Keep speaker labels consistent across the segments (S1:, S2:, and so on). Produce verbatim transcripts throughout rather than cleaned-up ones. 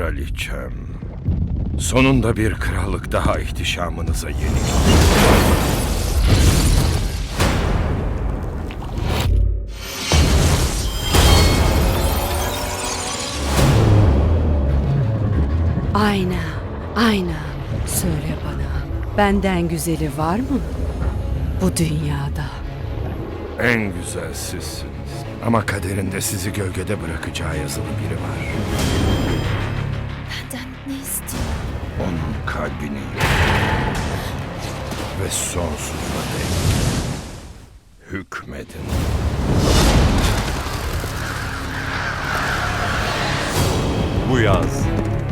S1: Kraliçem, sonunda bir krallık daha ihtişamınıza yenik.
S2: Ayna, ayna. Söyle bana, benden güzeli var mı bu dünyada?
S1: En güzel sizsiniz. Ama kaderinde sizi gölgede bırakacağı yazılı biri var.
S3: Benden ne istiyor?
S1: Onun kalbini ve sonsuza dek hükmedin.
S4: Bu yaz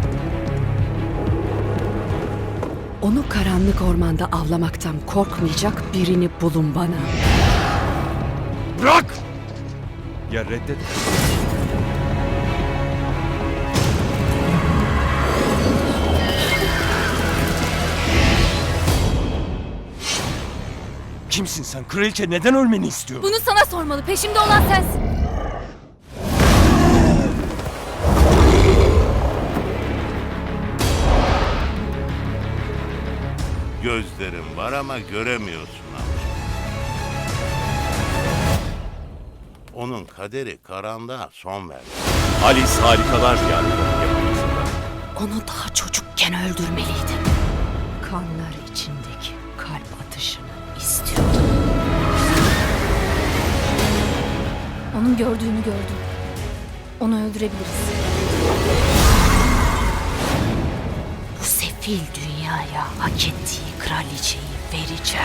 S2: Onu karanlık ormanda avlamaktan korkmayacak birini bulun bana.
S1: Bırak!
S4: ya reddet.
S5: Kimsin sen? Kraliçe neden ölmeni istiyor?
S3: Bunu sana sormalı. Peşimde olan sensin.
S6: Gözlerin var ama göremiyorsun amca. Onun kaderi karanlığa son verdi.
S4: Alice Harikalar Diyarı'nın yapımcısında.
S2: Onu daha çocukken öldürmeliydim. Kanlar içindeki kalp atışını istiyordum.
S3: Onun gördüğünü gördüm. Onu öldürebiliriz.
S2: Bu sefil dünyaya hak ettiği kraliçeyi vereceğim.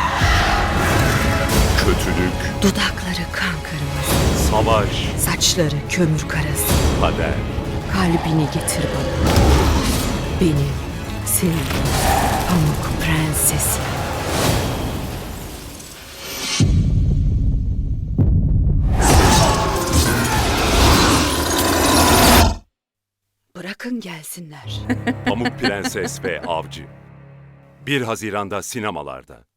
S4: Kötülük,
S2: Dudakları kan kırmızı,
S4: savaş,
S2: saçları kömür karası.
S4: kader.
S2: Kalbini getir bana. Benim, senin, Pamuk Prensesi. Bırakın gelsinler.
S4: Pamuk Prenses ve Avcı. bir Haziran'da sinemalarda.